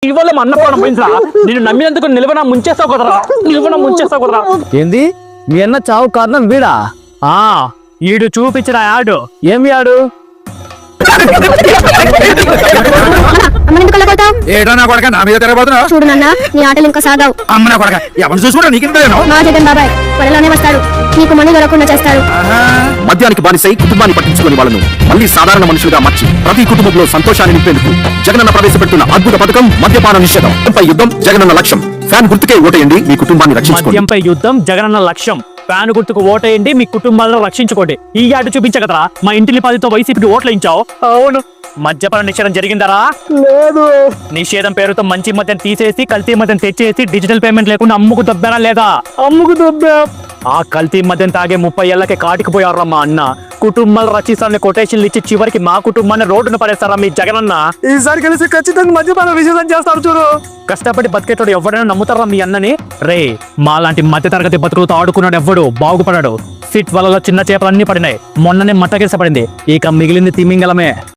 ఇవాళ మా అన్న ప్రాణం పోయిందిరా. నేను నమ్మినందుకు నిలవన ముంచేస్తావు కదరా. ఏంది మీ అన్న చావు కారణం వీడా? ఈడు చూపించిన యాడు. ఏం యాడు? ఏటో నా కొడక నా మీద తిరగబోతున్నా. చూడు నాన్న, నీ ఆటలు ఇంకా సాగావు. అమ్మ నా కొడక ఎవరు చూసుకుంటా నీకు మా జగన్ బాబాయ్ త్వరలోనే వస్తాడు. నీకు మనీ దొరకకుండా చేస్తాడు. మద్యానికి బానిసై కుటుంబాన్ని పట్టించుకుని వాళ్ళను మళ్ళీ సాధారణ మనుషులుగా మార్చి ప్రతి కుటుంబంలో సంతోషాన్ని నింపేందుకు జగనన్న ప్రవేశపెడుతున్న అద్భుత పథకం మద్యపాన నిషేధం. యుద్ధం జగనన్న లక్ష్యం. ఫ్యాన్ గుర్తుకే ఓటేయండి, మీ కుటుంబాన్ని రక్షించుకోండి. మద్యంపై యుద్ధం జగనన్న లక్ష్యం. ఫ్యాన్ గుర్తుకు ఓటేయండి, మీ కుటుంబాలను రక్షించుకోండి. ఈ యాడు చూపించగదరా మా ఇంటిని 10తో వైసీపీకి ఓట్లు ఇచ్చావు. అవును. మద్యపాన నిషేధం జరిగిందరా? లేదు. నిషేధం పేరుతో మంచి మద్యం తీసేసి కల్తీ మద్యం తెచ్చేసి డిజిటల్ పేమెంట్ లేకుండా అమ్ముకు దొబ్బారా లేదా? అమ్ముకు దొబ్బా. ఆ కల్తీ మద్యం తాగే 30 ఏళ్లకి కాటికి పోయారా మా అన్న. కుటుంబాలు రచిస్తారని కొటేషన్లు ఇచ్చి చివరికి మా కుటుంబాన్ని రోడ్డును పడేస్తారా మీ జగనన్న. ఈసారి కలిసి ఖచ్చితంగా మద్యపాన నిషేధం చేస్తారు చూడు. కష్టపడి బతికేటోడు ఎవడైనా నమ్ముతారా మీ అన్నని? రే, మాలాంటి మధ్య తరగతి బతుకులతో ఆడుకున్నాడు ఎవ్వడు బాగుపడాడు. సిట్ వలలో చిన్న చేపలన్నీ పడినాయి. మొన్ననే మట్టగిస పడింది. ఇక మిగిలింది తిమింగలమే.